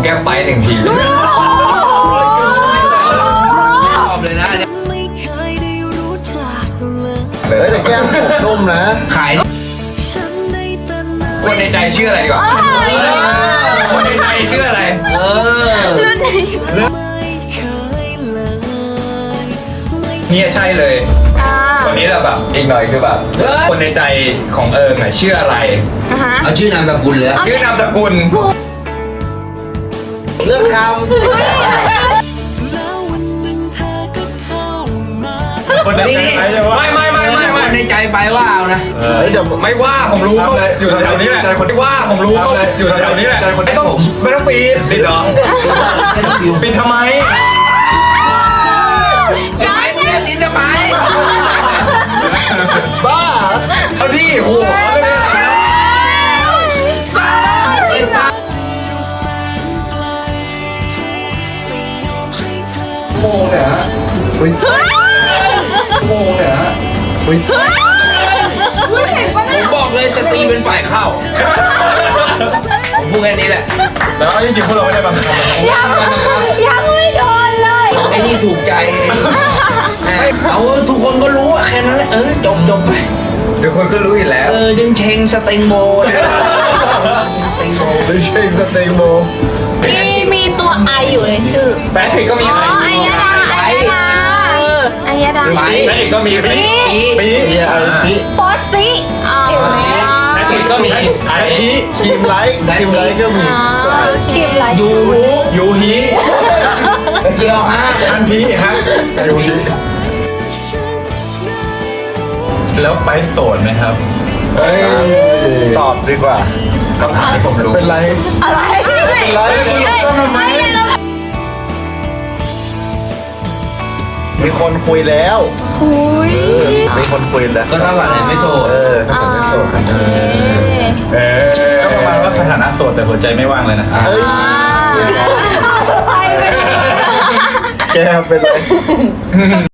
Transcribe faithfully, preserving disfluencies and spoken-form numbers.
แก้มไปหนึ่งทีไม่ตอบเลยนะเนี่ยเฮ้ยแต่แก้มผมนุ่มนะขายคนในใจชื่ออะไรดีกว่าคนในใจชื่ออะไรเออเนี่ยใช่เลยวันนี้เราแบบอีกหน่อยคือแบบคนในใจของเอิงอะชื่ออะไรเอาชื่อนามสกุลเลยชื่อนามสกุลเลือกคคนในใจไม่ไม่ไม่ไม่ไม่ในใจไปว่าเอานะำเฮ้ยเดี๋ยวไม่ว่าผมรู้อยู่แถวๆนี้แหละไม่ว่าผมรู้อยู่แถวๆนี้แหละไม่ต้องไม่ต้องปีนปิดหรอปิดทำไมย้ายเนี่ยนี่ทำไมบ้าเอาดิโอ้โหโมงเนี่ยฮะอุ้ยโมงเนี่ยฮะอุ้ยผมบอกเลยจะตีเป็นฝ่ายเข้าผมพูดแค่นี้แหละแล้วจริงๆพวกเราไม่ได้บังคับยังยังไม่โดนเลยไอ้นี่ถูกใจไอ้นี่เอาทุกคนก็รู้อะแค่นั้นแหละเออจบจบไปเดี๋ยวคนก็รู้อยู่แล้วเออจึงเชงสเต็งโบสเต็งโบไม่ใช่สเต็กโบมีมีตัวไออยู่ในชื่อแบทริกก็มีอ๋อไอยดาไอยดาไอยดาแบทริกก็มีปีปีเฮียอะไรนี่โพสซิอ๋อแบทริกก็มีไอทีครีมไลท์ครีมไลท์ก็มีคิมไรยูฮูยูฮีเกี่ยวฮะอันพีฮะอยู่ดีแล้วไปโสดไหมครับเฮ้ยตอบดีกว่าคำถามที่ผมรู้เป็นไรอะไรเป็นไรก็ทำไมมีคนคุยแล้วคุยเออมีคนคุยแล้วก็เท่ากับอะไรไม่โสดเออถ้าผมไม่โสดนะเออก็ประมาณว่าสถานะโสดแต่หัวใจไม่ว่างเลยนะเฮ้ยไปไปแกเป็นไร